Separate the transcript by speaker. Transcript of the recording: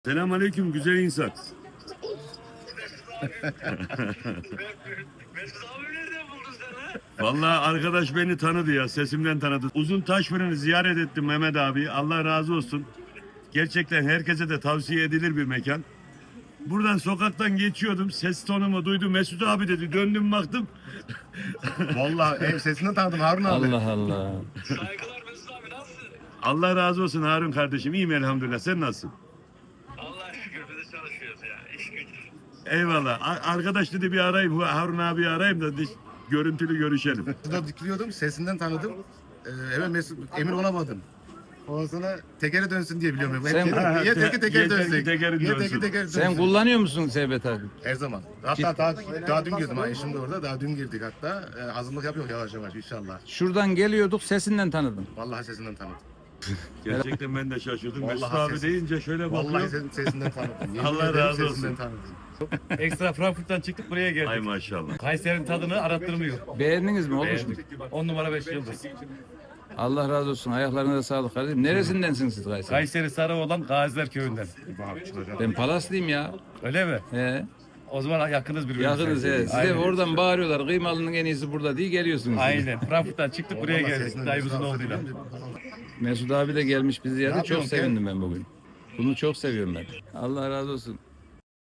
Speaker 1: Selamünaleyküm güzel insan.
Speaker 2: Mesut abi nereden buldun sen ha?
Speaker 1: Vallahi arkadaş beni tanıdı ya, sesimden tanıdı. Uzun Taşfırın'ı ziyaret ettim Mehmet abi. Allah razı olsun. Gerçekten herkese de tavsiye edilir bir mekan. Buradan sokaktan geçiyordum. Ses tonumu duydu. Mesut abi dedi. Döndüm baktım.
Speaker 3: Vallahi ev sesinden tanıdım Harun abi.
Speaker 4: Allah Allah.
Speaker 2: Saygılar Mesut abi nasılsın?
Speaker 1: Allah razı olsun Harun kardeşim. İyiyim elhamdülillah. Sen nasılsın?
Speaker 2: Allah'a şükür biz de çalışıyoruz ya. İş güç.
Speaker 1: Eyvallah. Arkadaş dedi bir arayayım. Harun abi arayayım da görüntülü görüşelim.
Speaker 3: Şurada dikiliyordum sesinden tanıdım. Hemen emin olamadım. Ondan sonra tekere dönsün diye biliyorum.
Speaker 4: Sen-
Speaker 3: Niye teker
Speaker 1: Yeter ki
Speaker 3: dönsün?
Speaker 1: tekerin
Speaker 3: Niye
Speaker 1: dönsün.
Speaker 3: teker dönsün?
Speaker 4: Sen kullanıyor musun Sevbet abi?
Speaker 3: Her zaman. Hatta daha dün girdim ha eşim de orada. Daha dün girdik hatta. Hazırlık yapıyor yavaş yavaş inşallah.
Speaker 4: Şuradan geliyorduk sesinden tanıdım.
Speaker 3: Vallahi sesinden tanıdım.
Speaker 1: Gerçekten ben de şaşırdım.
Speaker 3: Vallahi
Speaker 1: Mesut abi
Speaker 3: ses-
Speaker 1: deyince şöyle
Speaker 3: Vallahi
Speaker 1: bakıyorum.
Speaker 3: sesinden tanıdım. Yemin
Speaker 1: Allah
Speaker 3: ederim
Speaker 1: razı
Speaker 3: sesinden
Speaker 1: olsun.
Speaker 3: tanıdım.
Speaker 5: Ekstra Frankfurt'tan çıktık buraya geldik.
Speaker 1: Ay maşallah.
Speaker 5: Kayseri'nin tadını arattırmıyor.
Speaker 4: Beğendiniz mi? Olmuş mu?
Speaker 5: 10 numara 5 yıldız.
Speaker 4: Allah razı olsun. Ayaklarına sağlık kardeşim. Neresindensiniz siz Kayseri?
Speaker 5: Kayseri Sarıoğlan Gaziler Köyü'nden.
Speaker 4: Ben Palaslıyım ya.
Speaker 5: Öyle mi?
Speaker 4: He.
Speaker 5: O zaman yakınız birbirimize.
Speaker 4: Yakınız he. Size
Speaker 5: Aynen.
Speaker 4: oradan bağırıyorlar. Kıymalının en iyisi burada diye geliyorsunuz.
Speaker 5: Aynen. Frankfurt'tan çıktık buraya
Speaker 3: Vallahi
Speaker 5: geldik.
Speaker 3: sesinden
Speaker 5: Dayımızın
Speaker 3: Mesut abi
Speaker 5: oğluyla.
Speaker 3: söyleyeyim de-
Speaker 4: Mesut abi de gelmiş bizi
Speaker 3: Ne
Speaker 4: yerde. Çok
Speaker 3: yapıyorsun,
Speaker 4: sevindim ben bugün. Bunu çok seviyorum ben. Allah razı olsun.